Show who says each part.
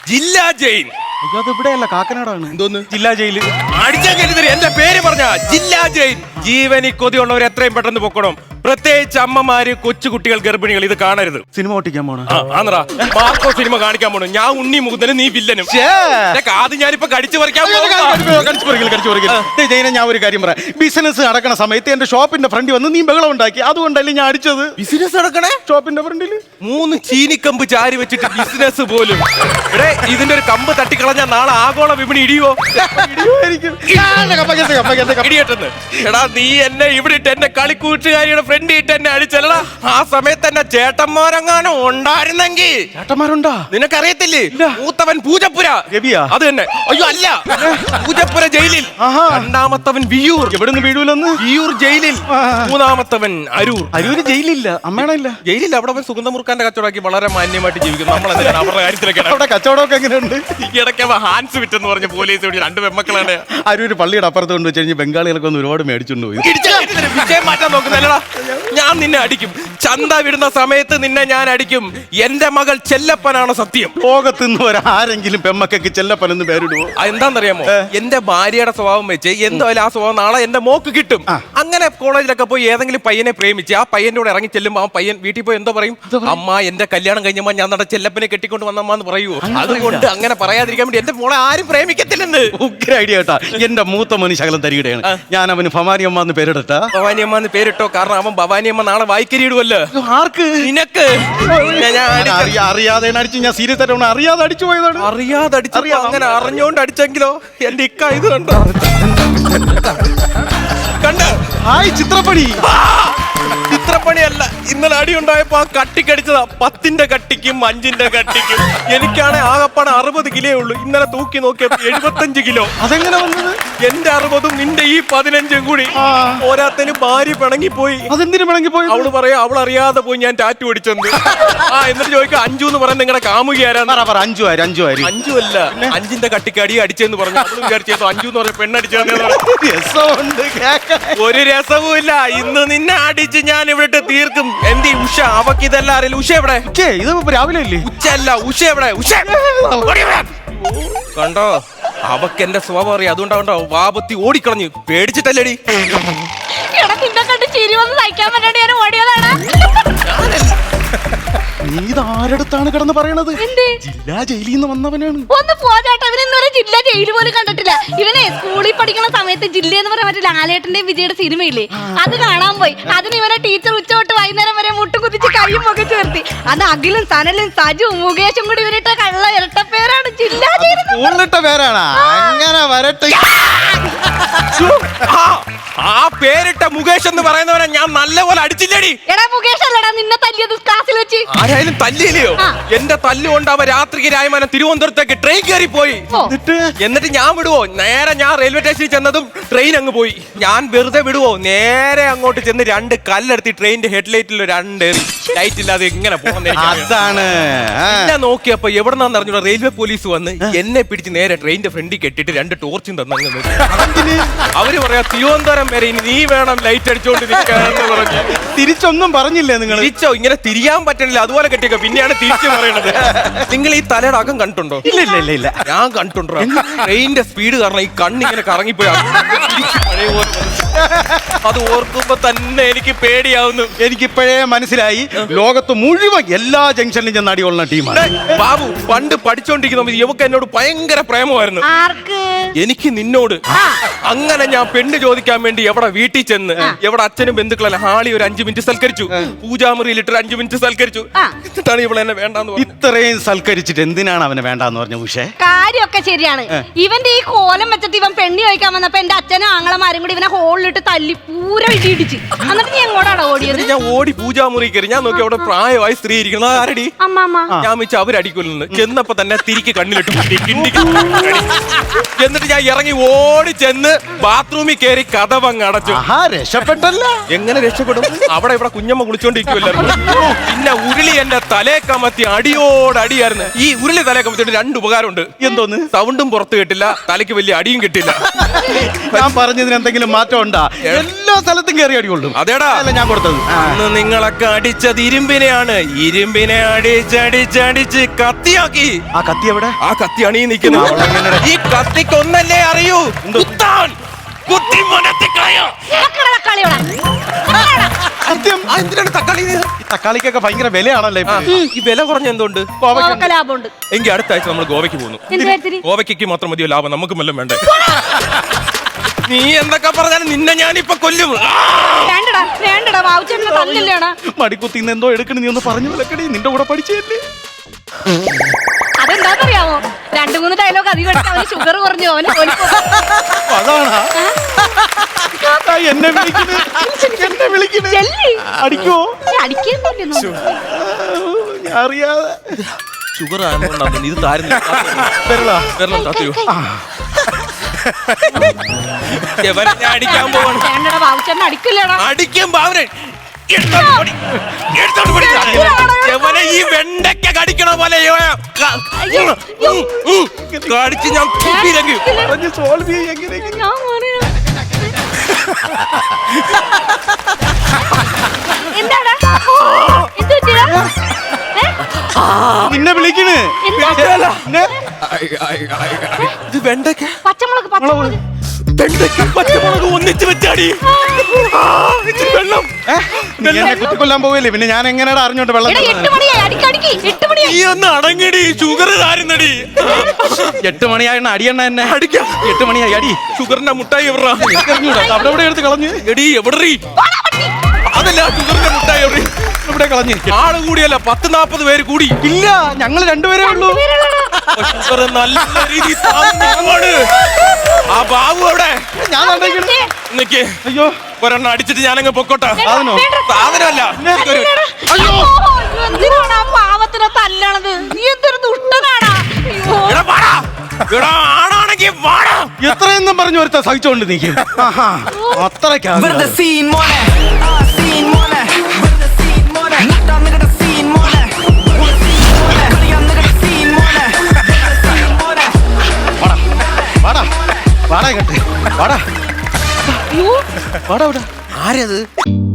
Speaker 1: ജില്ലാ ജയിൽ.
Speaker 2: അയ്യോ അത് ഇവിടെയല്ല, കാക്കനാടാണ്.
Speaker 1: എന്തോന്ന്
Speaker 2: ജില്ലാ ജയില്?
Speaker 1: അടിച്ചാൽ കേട്ടിട്ട് എന്റെ പേര് പറഞ്ഞ ജില്ലാ ജയിൽ. ജീവനി കൊതിയുള്ളവർ എത്രയും പെട്ടെന്ന് പൊക്കണം. പ്രത്യേകിച്ച് അമ്മമാര്, കൊച്ചുകുട്ടികൾ, ഗർഭിണികൾ ഇത് കാണരുത്.
Speaker 2: സിനിമ ഓട്ടിക്കാൻ പോണോ?
Speaker 1: ആന്നറാ മാർക്കോ സിനിമ കാണിക്കാൻ പോണു. ഞാൻ ഉണ്ണി മുകുന്ദനും നീ വില്ലനും. ആദ്യം ഞാനിപ്പോ കടിച്ചു പറിക്കാൻ
Speaker 2: ഞാൻ ഒരു കാര്യം പറയാം. ബിസിനസ് നടക്കണ സമയത്ത് എന്റെ ഷോപ്പിന്റെ ഫ്രണ്ടിൽ വന്ന് നീ ബഹളം ഉണ്ടാക്കി, അതുകൊണ്ടല്ലേ ഞാൻ അടിച്ചത്.
Speaker 1: ബിസിനസ് നടക്കണേ
Speaker 2: ഷോപ്പിന്റെ ഫ്രണ്ടിൽ
Speaker 1: 3 ചീനിക്കമ്പ് ചാരി വെച്ചിട്ട് ബിസിനസ് പോലും. എടേ ഇതിന്റെ ഒരു കമ്പ് തട്ടിക്കളഞ്ഞാൽ നാളെ ആഗോള വിപണി ഇടിയോ? ഇടിയട്ടെന്ന്. എടാ നീ എന്നെ ഇവിടെ ഇട്ട് എന്റെ കളിക്കൂട്ടുകാരിയുടെ ഫ്രണ്ട് ഇട്ട് എന്നെ അടിച്ചല്ലടാ. ആ സമയത്ത് എന്നെ ചേട്ടന്മാരെങ്ങാനും ഉണ്ടായിരുന്നെങ്കിൽ.
Speaker 2: ചേട്ടന്മാരുണ്ടാ?
Speaker 1: നിനക്കറിയത്തില്ലേ മൂത്തവൻ പൂജപ്പുര
Speaker 2: രവിയാ?
Speaker 1: അത് തന്നെ. അയ്യോ അല്ല, പൂജപ്പുര ജയിലിൽ. രണ്ടാമത്തവൻ വിയൂർ.
Speaker 2: എവിടുന്ന് വീഴൂലെന്ന്?
Speaker 1: വിയൂർ ജയിലിൽ. മൂന്നാമത്തവൻ അരൂർ.
Speaker 2: അരൂര് ജയിലില്ല, അമ്മയാണോ? ഇല്ല
Speaker 1: ജയിലിൽ. അവിടെ അവൻ സുഗന്ധമുറുക്കാന്റെ കച്ചവടമാക്കി വളരെ മാന്യമായിട്ട് ജീവിക്കുന്നു. നമ്മളെന്തിനാണ് അവരുടെ കാര്യത്തിലൊക്കെ?
Speaker 2: അവിടെ കച്ചവടമൊക്കെ എങ്ങനെയുണ്ട്?
Speaker 1: ഈ ഇടയ്ക്ക് അവൻ ഹാൻസ് വിറ്റെന്ന് പറഞ്ഞ പോലീസ് 2 പെമ്മക്കളാണ്.
Speaker 2: അരൂര് പള്ളിയുടെ അപ്പുറത്ത് കൊണ്ട് വെച്ച് കഴിഞ്ഞ് ബംഗാളികളൊക്കെ ഒന്ന് ഒരുപാട് മേടിച്ചോണ്ട് പോയി.
Speaker 1: വിജയം മാറ്റാൻ നോക്കുന്നല്ലടാ. ഞാൻ നിന്നെ അടിക്കും. ചന്ത വിടുന്ന സമയത്ത് നിന്നെ ഞാൻ അടിക്കും. എന്റെ മകൾ ചെല്ലപ്പനാണ് സത്യം.
Speaker 2: ലോകത്തുനിന്ന് ആരെങ്കിലും പെമ്മക്കൊക്കെ ചെല്ലപ്പനെന്ന് പേരിടുവോ?
Speaker 1: എന്താണെന്നറിയാമോ? എന്റെ ഭാര്യയുടെ സ്വഭാവം വെച്ച് എന്തായാലും ആ സ്വഭാവം നാളെ എന്റെ മോക്ക് കിട്ടും. അങ്ങനെ കോളേജിലൊക്കെ പോയി ഏതെങ്കിലും പയ്യനെ പ്രേമിച്ച് ആ പയ്യന്റെ കൂടെ ഇറങ്ങി ചെല്ലുമ്പോ ആ പയ്യൻ വീട്ടിൽ പോയി എന്തോ പറയും? അമ്മ എന്റെ കല്യാണം കഴിഞ്ഞമ്മ ഞാൻ നട ചെല്ലപ്പനെ കെട്ടിക്കൊണ്ട് വന്നമ്മന്ന് പറയുവോ? അതുകൊണ്ട് അങ്ങനെ പറയാതിരിക്കാൻ വേണ്ടി എന്റെ മോളെ ആരും പ്രേമിക്കത്തില്ലെന്ന്.
Speaker 2: ഉഗ്ര ഐഡിയ കേട്ടാ. എന്റെ മൂത്ത മണി ശകലം തരികയാണ്. ഞാൻ അവന് ഭവാനിയമ്മ എന്ന് പേരിടട്ടാ?
Speaker 1: ഭവാനിയമ്മ എന്ന് പേരിട്ടോ. കാരണം അവൻ ഭവാനിയമ്മ നാളെ വായിക്കരിയിടുവല്ലോ.
Speaker 2: ആർക്ക്?
Speaker 1: നിനക്ക്.
Speaker 2: അറിയാതെ അടിച്ചു. ഞാൻ സീരിയസ് ആയിട്ട് അറിയാതെ അടിച്ചു പോയതാണ്.
Speaker 1: അറിയാതെ അടിച്ചു. അങ്ങനെ അറിഞ്ഞോണ്ട് അടിച്ചെങ്കിലോ? എന്റെ ഇക്ക ഇത് കണ്ടോ? കണ്ട
Speaker 2: ചിത്രപ്പണി.
Speaker 1: ചിത്രപ്പണിയല്ല. ഇന്നലെ അടി ഉണ്ടായപ്പോ ആ കട്ടിക്കടിച്ചതാ. 10ന്റെ കട്ടിക്കും 5ന്റെ കട്ടിക്കും. എനിക്കാണെ ആകപ്പാടെ 60 കിലോ ഉള്ളൂ. ഇന്നലെ തൂക്കി നോക്കിയപ്പോ 75 കിലോ.
Speaker 2: അതെങ്ങനെ വന്നത്?
Speaker 1: എന്റെ 60ഉം നിന്റെ ഈ 15ഉം കൂടി ഓരോരുത്തരും ഭാര്യ പിണങ്ങിപ്പോയി.
Speaker 2: അതെന്തിനു പിണങ്ങിപ്പോയി?
Speaker 1: അവള് പറയാ അവൾ അറിയാതെ പോയി ഞാൻ ടാറ്റു അടിച്ചെന്ന്. എന്നിട്ട് ചോദിക്കാം 5 എന്ന് പറയാൻ നിങ്ങളുടെ കാമുകയാരാന്ന്.
Speaker 2: 5
Speaker 1: അല്ല 5ന്റെ കട്ടിക്ക് അടി അടിച്ചെന്ന് പറഞ്ഞു. അവളും വിചാരിച്ചോ 5 എന്ന് പറഞ്ഞ പെണ്ണടിച്ചെന്ന്. ഒരു രസവും ഇല്ല. ഇന്ന് നിന്നെ അടിച്ച് ഞാൻ ഇവിടെ തീർക്കും. എന്തി ഉഷ? അവക്ക് ഇതെല്ലാം അറിയില്ല. ഉഷ എവിടെ?
Speaker 2: ഇത് രാവിലെ അല്ലേ?
Speaker 1: ഉച്ച അല്ല. ഉഷ എവിടെ? ഉഷ കണ്ടോ? അവക്ക് എന്റെ സ്വഭാവം അറിയാം. അതുകൊണ്ടാ വാപത്തി ഓടിക്കളഞ്ഞു. പേടിച്ചിട്ടല്ലേടി?
Speaker 2: നീ ഇതാരടുത്താണ് കിടന്ന് പറയണത്? ജില്ലാ ജയിലിൽ നിന്ന് വന്നവനാണ്.
Speaker 3: ഒന്ന് പോരാട്ടോ. ഇവനൊന്നും ജില്ലാ ജയിൽ പോലും കണ്ടിട്ടില്ല. ഇവനെ സ്കൂളിൽ പഠിക്കുന്ന സമയത്ത് ജില്ല എന്ന് പറയാൻ പറ്റില്ല. ലാലേട്ടന്റെ വിജയുടെ സിനിമയില്ലേ, അത് കാണാൻ പോയി. അതിന് ഇവനെ ടീച്ചർ ഉച്ച തൊട്ട് വൈകുന്നേരം വരെ മുട്ടുകുതിച്ച് കയ്യും ഒക്കെ ചേർത്തി. അത് അഖിലും സനലും സജുവും മുകേഷും കൂടി ഇവരിട്ട കള്ള ഇരട്ടപ്പേരാണ് ജില്ലാ ജയിൽ.
Speaker 2: പേരാണ്. അങ്ങനെ വരട്ടെ.
Speaker 1: ആ പേരിട്ട മുകേഷ് എന്ന് പറയുന്നവനെ ഞാൻ നല്ലപോലെ അടിച്ചില്ലേടി?
Speaker 3: എടാ മുകേഷ് അല്ലടാ നിന്നെ തല്ലിയത് ക്ലാസ്സിൽ വെച്ച്.
Speaker 1: ആരായാലും തല്ലിയില്ലയോ? എന്റെ തല്ലുകൊണ്ട് അവൻ രാത്രിക്ക് രായ്മാനം തിരുവനന്തപുരത്തേക്ക് ട്രെയിൻ കയറി പോയി. എന്നിട്ട് ഞാൻ വിടുവോ? നേരെ ഞാൻ റെയിൽവേ സ്റ്റേഷനിൽ ചെന്നതും ട്രെയിൻ അങ്ങ് പോയി. ഞാൻ വെറുതെ വിടുവോ? നേരെ അങ്ങോട്ട് ചെന്ന് 2 കല്ലെടുത്തി ട്രെയിനിന്റെ ഹെഡ്ലൈറ്റിൽ 2 എറി. ലൈറ്റ് ഇല്ലാതെ എങ്ങനെ
Speaker 2: അതാണ്.
Speaker 1: എന്നെ നോക്കിയപ്പോ എവിടെന്നാന്ന് അറിഞ്ഞൂടാ റെയിൽവേ പോലീസ് വന്ന് എന്നെ പിടിച്ച് നേരെ ട്രെയിനിന്റെ ഫ്രണ്ടിൽ കെട്ടിട്ട് 2 ടോർച്ചും തന്നങ്ങ്. അവര് പറയാ തിരുവനന്തപുരം വരെ ഇനി നീ വേണം ലൈറ്റ് അടിച്ചോണ്ടിരിക്കാന്ന് പറഞ്ഞു.
Speaker 2: തിരിച്ചൊന്നും പറഞ്ഞില്ലേ നിങ്ങൾ?
Speaker 1: തിരിച്ചോ? ഇങ്ങനെ തിരിയാൻ പറ്റണില്ല. അതുപോലെ കെട്ടിയൊക്കെ പിന്നെയാണ് തിരിച്ചു പറയണത്. നിങ്ങൾ ഈ തലയുടെ അകം കണ്ടിട്ടുണ്ടോ?
Speaker 2: ഇല്ല.
Speaker 1: ഞാൻ കണ്ടിട്ടുണ്ടോ? ട്രെയിനിന്റെ സ്പീഡ് കാരണം ഈ കണ്ണിങ്ങനെ കറങ്ങിപ്പോയി. അത് ഓർക്കുമ്പോ തന്നെ എനിക്ക് പേടിയാവുന്നു.
Speaker 2: എനിക്കിപ്പോഴേ മനസ്സിലായി ലോകത്ത് മുഴുവൻ എല്ലാ ജംഗ്ഷനിലും ചെന്ന് അടികൊള്ളുന്ന ടീമാണ്.
Speaker 1: ബാബു പണ്ട് പഠിച്ചോണ്ടിരിക്കുന്ന ഇവക്ക് എന്നോട് ഭയങ്കര പ്രേമമായിരുന്നു. എനിക്ക് നിന്നോട്. അങ്ങനെ ഞാൻ പെണ്ണ് ചോദിക്കാൻ വേണ്ടി എവിടെ വീട്ടിൽ ചെന്ന് എവിടെ അച്ഛനും ബന്ധുക്കളല്ല ഹാളി ഒരു 5 മിനിറ്റ് സൽക്കരിച്ചു. പൂജാമുറിയിലിട്ട് 5 മിനിറ്റ് സൽക്കരിച്ചു. എന്നിട്ടാണ് ഇവളെ എന്നെ വേണ്ടാന്ന് പറഞ്ഞു.
Speaker 2: ഇത്രയും സൽക്കരിച്ചിട്ട് എന്തിനാണ് അവനെ വേണ്ടാന്ന് പറഞ്ഞ? ഉഷേ
Speaker 3: കാര്യമൊക്കെ ശരിയാണ്. ഇവന്റെ ഈ കോലം വെച്ചിട്ട് ഇവൻ പെണ്ണി ചോദിക്കാൻ വന്നപ്പോ എന്റെ അച്ഛനും ആങ്ങളമാരും കൂടി ഇവനെ ഹോളിലിട്ട് തല്ലി പൂര ഇടിയിടിച്ച്. എന്നിട്ട് നീ എങ്ങോട്ടാണ് ഓടിയത്?
Speaker 1: ഞാൻ ഓടി പൂജാമുറി കയറി. ഞാൻ നോക്കി അവിടെ പ്രായമായി സ്ത്രീ ഇരിക്കണം. ആരടി?
Speaker 3: അമ്മ.
Speaker 1: ഞാൻ വെച്ച് അവരടിക്കൊല്ലുന്നു. ചെന്നപ്പോ തന്നെ തിരിക്ക് കണ്ണിലിട്ട് എന്നിട്ട് ഞാൻ ഇറങ്ങി ഓടി ചെന്ന് ബാത്റൂമിൽ കയറി കഥവങ്ങ് അടച്ചു. രക്ഷപ്പെട്ടു.
Speaker 2: ആഹാ, രക്ഷപ്പെട്ടല്ല.
Speaker 1: എങ്ങനെ രക്ഷപ്പെടും? അവിടെ ഇവിടെ കുഞ്ഞമ്മ കുളിച്ചോണ്ടിരിക്കുവല്ലായിരുന്നു. പിന്നെ ഉരുളി എന്റെ തലേ കമത്തി അടിയോടടിയായിരുന്നു. ഈ ഉരുളി തലേ കമത്തിയിട്ട് 2 ഉപകാരമുണ്ട്.
Speaker 2: എന്തോന്ന്?
Speaker 1: സൗണ്ടും പുറത്ത് കിട്ടില്ല, തലയ്ക്ക് വലിയ അടിയും കിട്ടില്ല.
Speaker 2: ഞാൻ പറഞ്ഞതിന് എന്തെങ്കിലും മാറ്റം ഉണ്ടാ? എല്ലാ സ്ഥലത്തും കയറി അടികൊള്ളും.
Speaker 1: അതേടാ
Speaker 2: അല്ല ഞാൻ കൊടുത്തത്.
Speaker 1: അന്ന് നിങ്ങളൊക്കെ അടിച്ചത് ഇരുമ്പിനെയാണ്. ഇരുമ്പിനെ അടിച്ചടിച്ചടിച്ച് കത്തിയാക്കി.
Speaker 2: ആ കത്തി എവിടെ?
Speaker 1: ആ കത്തിയാണ് ഈ നിൽക്കുന്നത്. ഈ കത്തിക്ക് ഒന്നല്ലേ അറിയൂ, കുത്താൻ. കുത്തി മനത്തി കളയോ.
Speaker 2: സത്യം.
Speaker 1: എന്തിനാണ് തക്കാളി?
Speaker 2: ഈ തക്കാളിക്കൊക്കെ ഭയങ്കര വിലയാണല്ലേ ഇപ്പൊ?
Speaker 1: ഈ വില കുറഞ്ഞ എന്തുകൊണ്ട്?
Speaker 3: കോവക്ക ലാഭമുണ്ട്.
Speaker 1: എങ്കിൽ അടുത്ത ആഴ്ച നമ്മൾ ഗോവയ്ക്ക് പോകുന്നു.
Speaker 3: എന്ത് കാര്യത്തിന്?
Speaker 1: ഗോവയ്ക്ക് മാത്രം മതിയോ ലാഭം? നമുക്കും വല്ലതും വേണ്ടേ? നീ എന്തൊക്കെ പറഞ്ഞാലും നിന്നെ ഞാനിപ്പൊ കൊല്ലും.
Speaker 3: വേണ്ടടാ വേണ്ടടാ, ബാബുച്ചേട്ടനെ തല്ലില്ലേടാ.
Speaker 2: മടിക്കുത്തിന്ന് എന്തോ എടുക്കണ, നീ ഒന്ന് പറഞ്ഞു വിലക്കടി. നിന്റെ കൂടെ പഠിച്ചല്ലേ?
Speaker 3: അതെന്താന്നറിയാമോ? 2-3 ഡയലോഗ് അധികം അടിച്ച് അവന് ഷുഗർ കുറഞ്ഞു. അവന്
Speaker 2: അതാണാ എന്നെ വിളിക്കണേ. അടിക്കോ?
Speaker 3: അടിക്കുന്നില്ലെന്നോ?
Speaker 2: ഞാൻ അറിയാതെ.
Speaker 1: ഷുഗർ ആയതുകൊണ്ടാണ് ഇത് താരുന്നില്ല. വെള്ളം താത്തയോ? എവനെ ഞാൻ അടിക്കാൻ പോവാണ്.
Speaker 3: വേണ്ടടാ, ബാബുച്ചേട്ടനെ അടിക്കില്ലേടാ.
Speaker 1: അടിക്കും ബാവനെ. എവനെ ഈ വെണ്ടയ്ക്ക കടിക്കണ പോലെ കടിച്ച് ഞാൻ തുപ്പിയില്ലെങ്കിൽ
Speaker 2: സോൾവ് എങ്ങനെ?
Speaker 3: ഞാൻ പറയാ. എന്താടാ? എന്ത് പറ്റിയടാ?
Speaker 2: നിന്നെ വിളിക്കണ്.
Speaker 1: ഇത് വെണ്ടയ്ക്ക,
Speaker 3: പച്ചമുളക്
Speaker 1: വെണ്ടയ്ക്ക പച്ചമുളക് ഒന്നിച്ച് വെച്ചാടി. വെള്ളം
Speaker 2: നീ എന്നെ കുത്തിക്കൊല്ലാൻ പോവല്ലേ? പിന്നെ ഞാൻ എങ്ങനെയാ അറിഞ്ഞോണ്ട് വെള്ളം?
Speaker 3: 8 മണിയായി. അടിക്കടിക്ക് 8 മണിയായി.
Speaker 1: നീ ഒന്ന് അടങ്ങിടി. ഷുഗർ താരുന്നടി.
Speaker 2: 8 മണിയായി അടിയണ്ണ എന്നെ.
Speaker 1: അടിക്കാം.
Speaker 2: 8 മണിയായി അടി.
Speaker 1: ഷുഗറിന്റെ മുട്ടായി എവിടാ?
Speaker 2: അവിടെ എവിടെ എടുത്ത് കളഞ്ഞ്?
Speaker 1: എടി എവിടെറി? അതല്ല, ഷുഗറിന്റെ മുട്ടായി എവിടെ?
Speaker 2: ഇവിടെ കളഞ്ഞ്.
Speaker 1: ആള് കൂടിയല്ല, 10-40 പേര് കൂടി.
Speaker 2: ഇല്ല, ഞങ്ങൾ 2 പേരേ ഉള്ളൂ.
Speaker 1: ഷുഗർ നല്ല രീതിയിൽ താങ്ങുന്നതാണ്. ആ ബാബു എവിടെ?
Speaker 2: ഞാൻ
Speaker 1: നിക്ക്.
Speaker 2: അയ്യോ,
Speaker 1: ഒരെണ്ണം അടിച്ചിട്ട് ഞാനങ്ങ് പൊക്കോട്ടെ.
Speaker 2: സാധനോ?
Speaker 1: സാധനമല്ല.
Speaker 2: അയ്യോ,
Speaker 3: എന്തിനാണ് ആ പാവത്തിനെ തല്ലണത്? നീ എന്തൊരു ദുഷ്ടനാടാ. അയ്യോ.
Speaker 1: എടാ വാടാ. എടാ ആണാണെങ്കിൽ വാടാ.
Speaker 2: എത്രയെന്നും പറഞ്ഞു ഒരുത്ത സഹിച്ചോണ്ട് നീക്ക്. അത്രയ്ക്കാ
Speaker 4: We're the scene മോനെ scene മോനെ We're the scene മോനെ മുട്ടാ നിങ്ങളുടെ scene മോനെ We're the scene മോനെ കളിയാ നിങ്ങളുടെ scene മോനെ We're the scene മോനെ
Speaker 2: വാടാ വാടാ കേട്ടെ വാടാ
Speaker 3: അയ്യോ.
Speaker 2: വാടാ ഇവിടെ.
Speaker 1: ആരത്?